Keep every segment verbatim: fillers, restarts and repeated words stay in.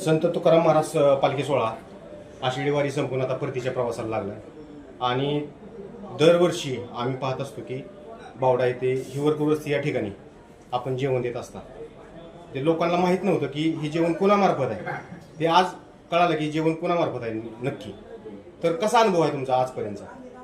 संत तुकाराम महाराज पालखी सोहळा आषाढी वारी संपून आता परतीच्या प्रवासाला लागला आणि दरवर्षी आम्ही पाहत असतो की बावडा येथे हिवरपूर वस्ती या ठिकाणी आपण जेवण देत असता. ते लोकांना माहीत नव्हतं की हे जेवण कोणामार्फत आहे. ते आज कळालं की जेवण कोणामार्फत आहे नक्की. तर कसा अनुभव आहे तुमचा आजपर्यंतचा?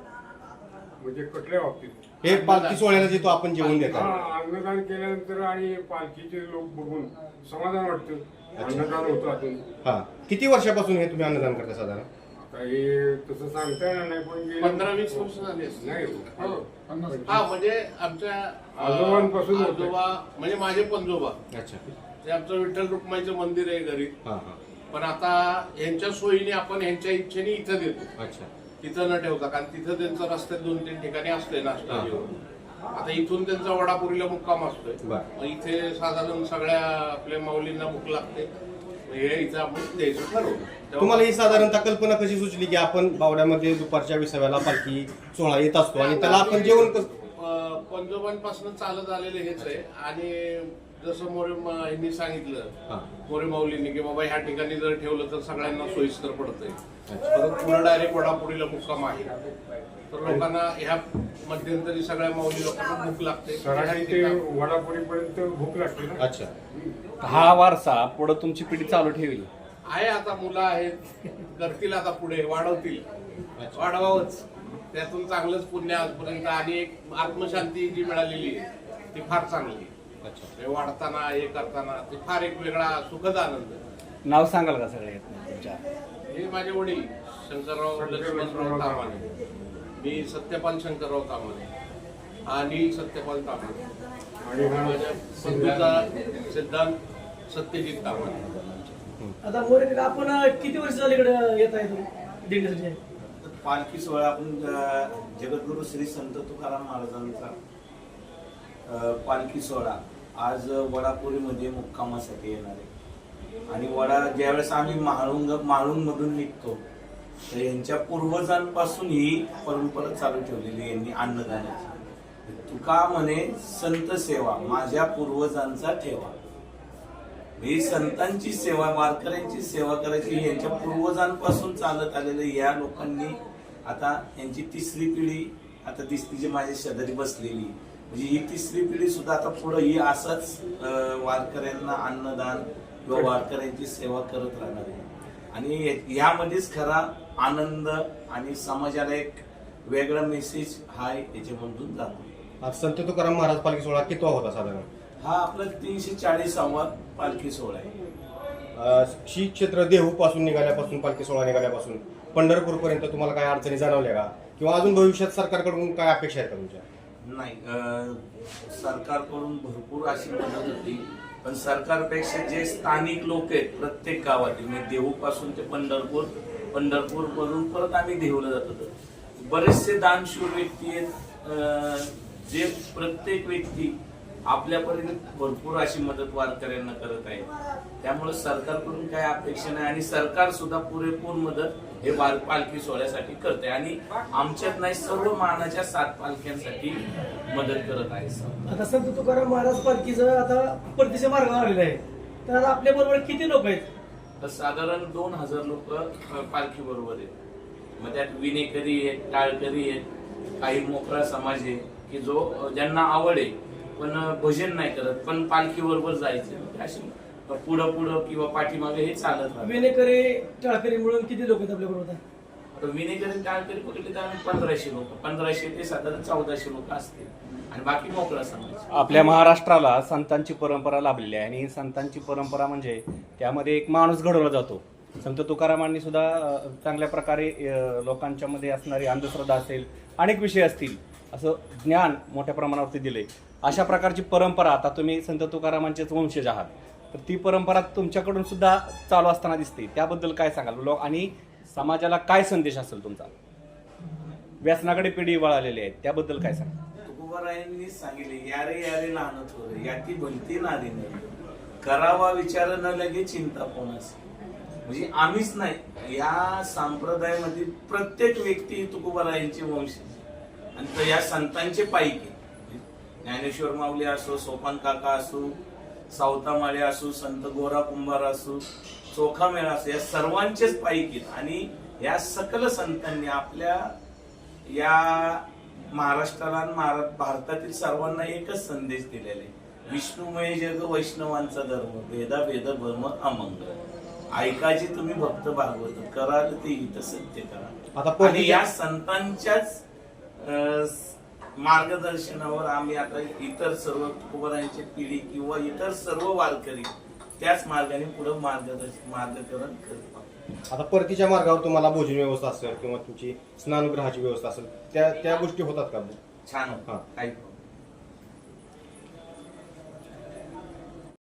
म्हणजे कुठल्या बाबतीत? हे पालखी सोहळ्याला जे तो आपण जेवण देतो, अन्नदान केल्यानंतर आणि पालखीचे लोक बघून समाधान वाटतं. अन्नदान होतं अजून. हा किती वर्षापासून हे तुम्ही अन्नदान करता साधारण? आता हे तसं सांगता येणार नाही, पण गेले पंधरा वीस वर्ष झाली असतील. नाही हो. हा म्हणजे आमच्या आजोबांपासून होतं. आजोबा म्हणजे माझे पंजोबा, अच्छा. ते आमचं विठ्ठल रुक्माईचं मंदिर आहे घरी. हा हा पण आता यांच्या सोयीने आपण यांच्या इच्छेने इथं देतो, अच्छा. तिथं न ठेवता. कारण तिथं त्यांचं रस्त्यात दोन तीन ठिकाणी असतंय नाश्ता जेवण. आता इथून त्यांचा वडापुरीला मुक्काम असतोय. बरं. मग इथे साधारण सगळ्या आपल्या माऊलींना भूक लागते, हे इथं आपण द्यायचं ठरवलं. तुम्हाला ही साधारणतः कल्पना कशी सुचली की आपण बावड्यामध्ये दुपारच्या विसाव्याला पालखी सोहळा येत असतो आणि त्याला आपण जेवण कसं? पंजोबांपासून चालत आलेले हेच आहे. आणि जसं मोरे यांनी सांगितलं, मोरे माऊलींनी, की बाबा ह्या ठिकाणी जर ठेवलं तर सगळ्यांना सोयीस्कर पडतंय. परत पुढे डायरेक्ट वडापुरीला मुक्काम आहे, तर लोकांना ह्या मध्यंतरी सगळ्या माऊली लोकांना भूक लागते. सराठी ते वडापुरीपर्यंत भूक लागते ना. अच्छा. हा वारसा पुढे तुमची पिढी चालू ठेवली आहे. आता मुलं आहेत, करतील आता पुढे, वाढवतील, वाढवावंच. त्यातून चांगलंच पुण्य आजपर्यंत आणि एक आत्मशांती जी मिळालेली आहे ती फार चांगली. हे वाढताना हे करताना ते फार एक वेगळा सुखद आनंद. नाव सांगाल का सगळे तुमच्या? हे माझे वडील शंकरराव लक्ष्मणराव तामाणे, मी सत्यपाल शंकरराव तामाणे, आणि सत्यपाल तामाणे, आणि माझ्या बंधूचा सिद्धांत सत्यजित तामाणे. आता मोरे आपण किती वर्ष झाले इकडे येत आहे तुम्ही दिंडीसाठी? पालखी सोहळा आपण जगद्गुरु श्री संत तुकाराम महाराजांचा पालखी सोहळा आज वडापुरीमध्ये मुक्कामासाठी येणार आहे. आणि वडा ज्यावेळेस आम्ही म्हाळुंग म्हाळुंगमधून निघतो तर यांच्या पूर्वजांपासून ही परंपरा चालू ठेवलेली यांनी अन्नदानाची. तुका म्हणे संत सेवा माझ्या पूर्वजांचा ठेवा. ही संतांची सेवा, वारकऱ्यांची सेवा करायची यांच्या पूर्वजांपासून चालत आलेलं या लोकांनी. आता यांची तिसरी पिढी आता दिसती जी माझ्या शेजारी बसलेली, म्हणजे ही तिसरी पिढी सुद्धा आता पुढे ही असंच वारकऱ्यांना अन्नदान किंवा वारकऱ्यांची सेवा करत राहणार आहे. आणि यामध्येच खरा आनंद आणि समाजाला एक वेगळा मेसेज हा याच्यामधून जातो. संत तुकाराम महाराज पालखी सोहळा कितवा होता साधारण? हा आपला तीनशे चाळीसावा पालखी सोहळा आहे. श्री क्षेत्र देहू पासून निघाल्यापासून पालखी सोहळा निघाल्यापासून पंढरपूर पर्यंत तुम्हाला काय अडचणी जाणवल्या का, किंवा अजून भविष्यात सरकारकडून काय अपेक्षा आहेत का तुमच्या? नाही, सरकारकडून भरपूर अशी मदत होती, पण सरकारपेक्षा जे स्थानिक लोक आहेत प्रत्येक गावातील, म्हणजे देहू पासून ते पंढरपूर, पंढरपूर वरून परत आम्ही देहूला जात होतो, बरेचसे दानशूर व्यक्ती आहेत जे प्रत्येक व्यक्ती आपल्यापर्यंत भरपूर अशी मदत वारकऱ्यांना करत आहे. त्यामुळे सरकारकडून काय अपेक्षा नाही आणि सरकार सुद्धा पुरेपूर मदत हे वार पालखी सोहळ्यासाठी करते आणि आमच्यात नाही सर्व मानाच्या सात पालख्यांसाठी मदत करत आहे. आता संत तुकाराम महाराज पालखीचं आता परतीच्या मार्गावर आलेलं आहे, तर आता आपल्या बरोबर किती लोक आहेत? तर साधारण दोन हजार लोक पालखी बरोबर आहेत. मग त्यात विनेकरी आहेत, टाळकरी आहेत, काही मोकळा समाज आहे की जो ज्यांना आवड आहे पण भजन नाही करत पण पालखी बरोबर जायचं, अशी पुढं पुढं किंवा पाठीमागे हे चालत राहतं. विनेकरी टाळकरी मिळून किती लोक आहेत आपल्या बरोबर? आता विनेकरी टाळकरी कुठले तर आम्ही पंधराशे लोक पंधराशे ते साधारण चौदाशे लोक असतील आणि बाकी मोकळा समाज. आपल्या महाराष्ट्राला संतांची परंपरा लाभलेली आहे आणि संतांची परंपरा म्हणजे त्यामध्ये एक माणूस घडवला जातो. संत तुकारामांनी सुद्धा चांगल्या प्रकारे लोकांच्या मध्ये असणारी अंधश्रद्धा असेल, अनेक विषय असतील, असं ज्ञान मोठ्या प्रमाणावरती दिलंय. अशा प्रकारची परंपरा आता तुम्ही संत तुकारामांचेच वंशज आहात, तर ती परंपरा तुमच्याकडून सुद्धा चालू असताना दिसते. त्याबद्दल काय सांगाल लोक आणि समाजाला काय संदेश असेल तुमचा? व्यसनाकडे पिढी वळालेली आहे, त्याबद्दल काय सांगाल? तुकोबारायांनी सांगितले, यारे यारे लहान थोर याती बनती नारी नाही, करावा विचार न लगे चिंता कोणास. म्हणजे आम्हीच नाही, या संप्रदायामध्ये प्रत्येक व्यक्ती तुकोबारायांची वंश आणि या संतांचे पायकी. ज्ञानेश्वर माऊली असो, सोपान काका असो, सावता माळे असो, संत गोरा कुंभार असो, चोखा मेळा असतो, या सर्वांचेच पायीकीत आणि या सकल संतांनी आपल्या या महाराष्ट्राला आणि महारा- भारतातील सर्वांना एकच संदेश दिलेला आहे, विष्णुमय जग वैष्णवांचा धर्म, भेदा भेद भ्रम अमंगल, ऐकायचे तुम्ही भक्त भागवत, कराल ते हित सत्य करा. आता आणि परतीच्या या संतांच्याच अं, मार्गदर्शनावर आम्ही आता इतर सर्व तुकोबारायांची पिढी किंवा इतर सर्व वारकरी त्याच मार्गाने पुढे मार्गदर्शन मार्गकरण करतो. आता परतीच्या मार्गावर तुम्हाला भोजन व्यवस्था असेल किंवा तुमची स्नानगृहाची व्यवस्था असेल, त्या त्या गोष्टी होतात का? छान हा. होतं. काही